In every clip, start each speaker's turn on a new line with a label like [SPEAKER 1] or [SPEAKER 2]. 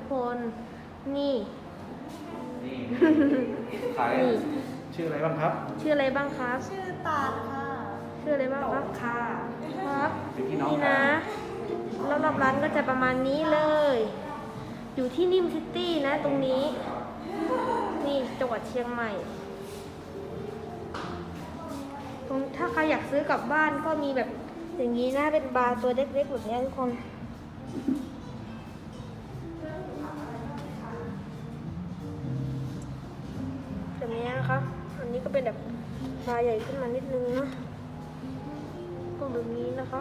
[SPEAKER 1] กคนนี่
[SPEAKER 2] ขายชื่ออะไรบ้างครับ
[SPEAKER 1] ชื่ออะไรบ้างครับ
[SPEAKER 3] ชื่อตาลค่ะ
[SPEAKER 1] ชื่ออะไรบ้างครับ
[SPEAKER 3] ค่ะ
[SPEAKER 1] ครับ
[SPEAKER 2] เป็นพี่น้อง
[SPEAKER 1] นี่
[SPEAKER 2] กั
[SPEAKER 1] นะ
[SPEAKER 2] น
[SPEAKER 1] รอบๆร้านก็จะประมาณนี้เลย อยู่ที่นิมซิตี้นะตรงนี้ นี่จังหวัดเชียงใหม่ตรงถ้าใครอยากซื้อกลับบ้านก็มีแบบอย่างนี้นะเป็นบาร์ตัวเล็กๆแบบนี้ทุกคนแบบนี้นะคะอันนี้ก็เป็นแบบบาร์ใหญ่ขึ้นมานิดนึงนะพวกแบบนี้นะคะ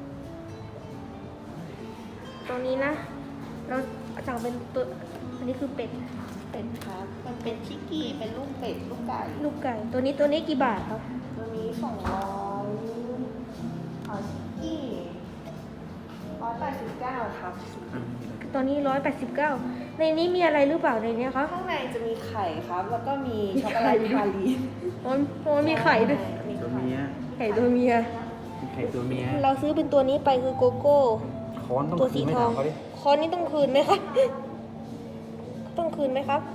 [SPEAKER 1] ตรงนี้นะ เราสั่งเป็นตัวอันนี้คือเป็ด
[SPEAKER 3] เป็ดครับมันเป็นชิกกี้เป็นลูกเป็ดลูกไก่
[SPEAKER 1] ลูกไก่ตัวนี้กี่บาทครับ
[SPEAKER 3] ตัวนี้200ชิกกี้189ครับ
[SPEAKER 1] ตัวนี้189ในนี้มีอะไรหรือเปล่าในนี้ครับ
[SPEAKER 3] ข้างในจะมีไข่ครับ แล้วก็มีช็อกโกแลตพาลีน
[SPEAKER 1] มันมีไข่ด้วย
[SPEAKER 3] มี
[SPEAKER 2] ตัว
[SPEAKER 3] ไข่
[SPEAKER 2] เมีย
[SPEAKER 1] ไข่ตัวเมีย
[SPEAKER 2] ไข่ตัวเมีย
[SPEAKER 1] เราซื้อเป็นตัวนี้ไปคือโกโก้
[SPEAKER 2] ค้อนต้อง
[SPEAKER 1] ตัว
[SPEAKER 2] คื
[SPEAKER 1] สี
[SPEAKER 2] นไม่
[SPEAKER 1] ทอ
[SPEAKER 2] ถาง มเขาดิ
[SPEAKER 1] คอนนี้ต้องคืนไหมครับ ต้องคืนไหมครับ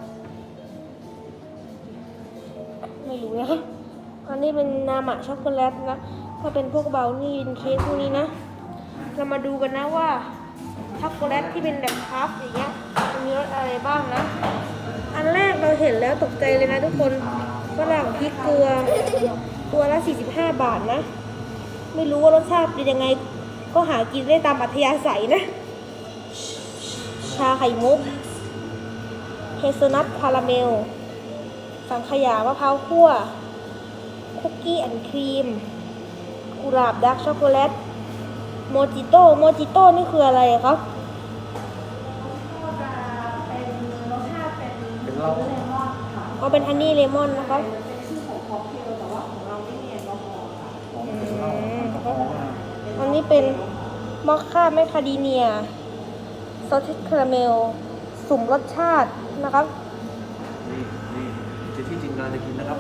[SPEAKER 1] ไม่รู้นะครับอันนี้เป็นนามะช็อกโกแลตนะถ้าเป็นพวกเบลนี่เป็นเค้กพวกนี้นะ เรามาดูกันนะว่าช็อกโกแลตที่เป็นแบบคัพอย่างเงี้ยมีรสอะไรบ้างนะ อันแรกเราเห็นแล้วตกใจเลยนะทุกคนฝรั่งพริกเกลือตัวละ45 บาทนะ ไม่รู้ว่ารสชาติเป็นยังไง ก็หากินได้ตามอัธยาศัยนะ ชาไข่มุกเฮเซลนัทคาราเมล สังขยามะพร้าวคั่ว คุกกี้แอนด์ครีม กุหลาบดาร์กช็อกโกแลต โมจิโต้นี่คืออะไรครับ
[SPEAKER 3] ก็จะเป็นรสชาติเป็น
[SPEAKER 2] เป็นเหล้า
[SPEAKER 3] เลมอนค่ะ
[SPEAKER 1] เอาเป็นฮันนี่เลมอนนะครับ
[SPEAKER 3] เป็นชื่อของค็อกเทลแต่ว่าของเราไม่มีแอลกอฮอล์ค่ะ
[SPEAKER 2] ของเป็นเหล้าแอลกอฮอล์นะ
[SPEAKER 1] อันนี้เป็นมอคค่าแมคคาเดเนียซอสคาราเมล สุ่มรสชาตินะครับ
[SPEAKER 2] นี่จะที่จริงเราจะกินนะครับ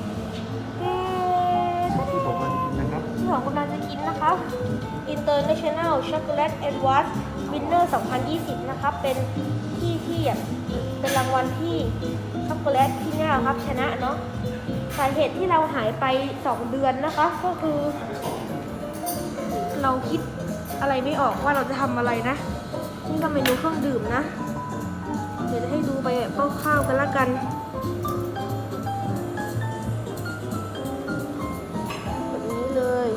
[SPEAKER 2] ที่ผมเราจะกินนะครับ
[SPEAKER 1] ที่ของคุณนาจะกินนะครับ International Chocolate Award Winner 2020 นะครับ เป็นที่เป็นรางวัลที่ช็อกโกแลตที่เนี่ยครับชนะเนาะสาเหตุที่เราหายไป 2 เดือนนะคะ ก็คือ เราคิดอะไรไม่ออกว่าเราจะทำอะไรนะ นี่ก็เมนูเครื่องดื่มนะ เดี๋ยวจะให้ดูไปแบบคร่าวๆกันละกันแบบนี้เลย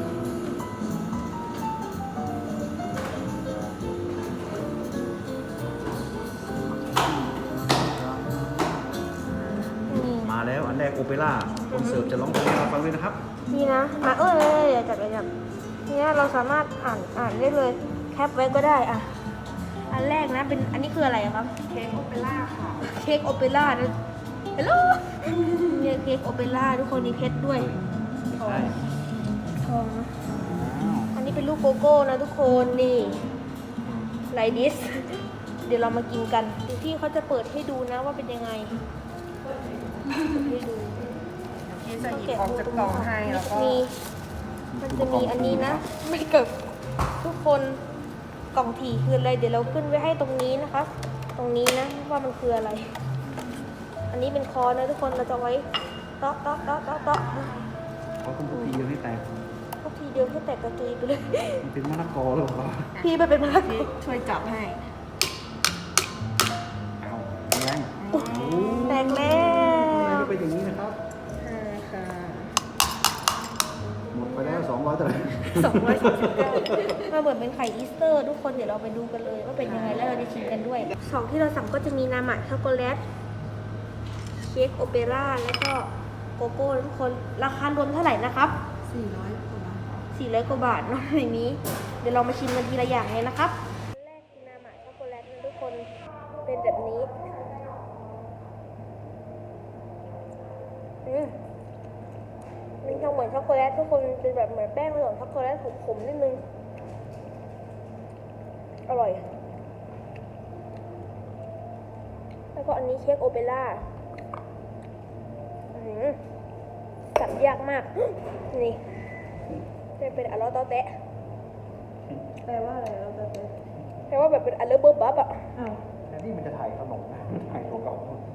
[SPEAKER 1] นี่
[SPEAKER 2] มาแล้วอันแรกโอเปร่าคนเสิร์ฟจะร้องเพลงให้เราฟังด้วยนะครับ
[SPEAKER 1] นี่นะมาอย่าจับเนี่ยเราสามารถอ่านได้เลยแคปไว้ก็ได้อ่ะอันแรกนะเป็นอันนี้คืออะไรอะครับ
[SPEAKER 3] เค้กโอเปร่าค่ะ
[SPEAKER 1] เค้กโอเปร่านะฮัลโหลเนี่ยเค้กโอเปร่าทุกคนมีเพชรด้วย
[SPEAKER 2] ไม่ใช่
[SPEAKER 1] ทองนะ
[SPEAKER 2] อ้าว
[SPEAKER 1] อันนี้เป็นลูกโกโก้นะทุกคนนี่ไลดิส เดี๋ยวเรามากินกันเดี๋ยวพี่เขาจะเปิดให้ดูนะว่าเป็นยังไงเปิดให้ดู
[SPEAKER 3] พี่จะหยิบออกจากกล่องให้แล้วก็
[SPEAKER 1] มีมันจะมีอันนี้นะ ไม่เกิดทุกคนกล่องถี่คืออะไรเดี๋ยวเราขึ้นไว้ให้ตรงนี้นะคะ ตรงนี้นะว่ามันคืออะไร อันนี้เป็นคอนะทุกคนเราจะไว้เตาะ
[SPEAKER 2] เขาคุณทีเดียวให้แตก
[SPEAKER 1] ก็ทีเดียวให้แตกกระจุยไปเลย
[SPEAKER 2] มันเป็นมะละกอหรือเปล่า
[SPEAKER 1] พี่ไปเป็นมะละกอ
[SPEAKER 3] พี่ช่วยจับให้
[SPEAKER 2] เอาแรง
[SPEAKER 1] แตกแล้
[SPEAKER 2] ทำไม
[SPEAKER 1] ว
[SPEAKER 2] ไม่เป็นอย่างนี้นะครับ
[SPEAKER 3] ค่ะ
[SPEAKER 2] หมดไปแล้ว200เท่าไหร่
[SPEAKER 1] 239มาเหมือนเป็นไข่อีสเตอร์ทุกคนเดี๋ยวเราไปดูกันเลยว่าเป็นยังไงแล้วเราจะชิมกันด้วยของที่เราสั่งก็จะมีนามะช็อกโกแลตเค้กโอเปร่าแล้วก็โกโก้ทุกคนราคารวมเท่าไหร่นะครับ
[SPEAKER 3] 400กว่าบาท
[SPEAKER 1] 400 กว่าบาทเนาะในนี้ เดี๋ยวเรามาชิมกันทีละอย่างเลยนะครับอันแรกคือนามะช็อกโกแลตนะทุกคนเป็นแบบนี้มันจะเหมือนช็อกโกแลตทุกคนเป็นแบบเหมือนแป้งผสมช็อกโกแลตขมๆนิดนึงอร่อย แล้วก็อันนี้เค้กโอเปร่าจับยากมาก นี่จะเป็นอัลลอตอแตะ
[SPEAKER 3] แปลว่าอะไรเราจะไป
[SPEAKER 1] แปลว่าแบบเป็นอัลเลอร์เบอร์บับอ่ะ
[SPEAKER 3] อ้าว
[SPEAKER 2] แต่ายขนมถ่ายตัวเก่า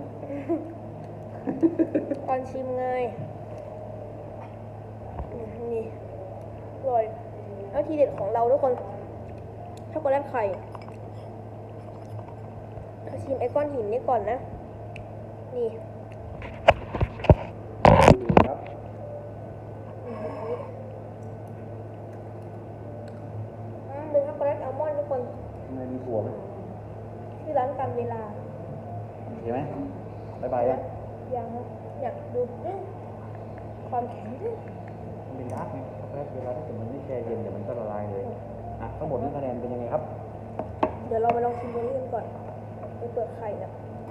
[SPEAKER 1] ตอนชิมไงนี่อร่อยแล้วทีเด็ดของเราทุกคนช็อกโกแลตไข่เราชิมไอ้ก้อนหินนี่ก่อนนะ นี่
[SPEAKER 2] ดีครับ
[SPEAKER 1] เป็นช็อกโกแลตอัลมอนด์ทุกคน
[SPEAKER 2] ข้างในมีถั่วไหม
[SPEAKER 1] ที่ร้านกันเวลา
[SPEAKER 2] โอเคไหมบ๊ายบายยัง
[SPEAKER 1] ยังอยากดูความแข็ง
[SPEAKER 2] มันเป็นดาร์กไงช็อกโกแลตเวลาถ้าเกิดมันไม่แช่เย็นเดี๋ยวมันก็ละลายเลยอ่ะทั้งหมดนี้คะแนนเป็นยังไงครับ
[SPEAKER 1] เดี๋ยวเรามาลองชิมตัวนี้กันก่อนเป็นเปลือกไข่นะ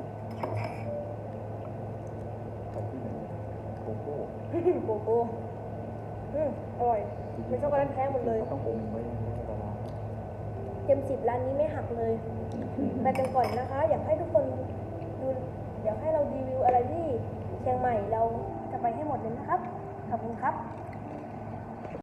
[SPEAKER 2] โกโก้
[SPEAKER 1] โกโก้อร่อยเป็นช็อกโกแลตแท้หมดเลย
[SPEAKER 2] ต้องอมไว้ให้ละลาย
[SPEAKER 1] เต็ม10ร้านนี้ไม่หักเลยไปกันก่อนนะคะ อยากให้ทุกคนดูอยากให้เรารีวิวอะไรที่เชียงใหม่เราจะไปให้หมดเลยนะครับขอบคุณครับ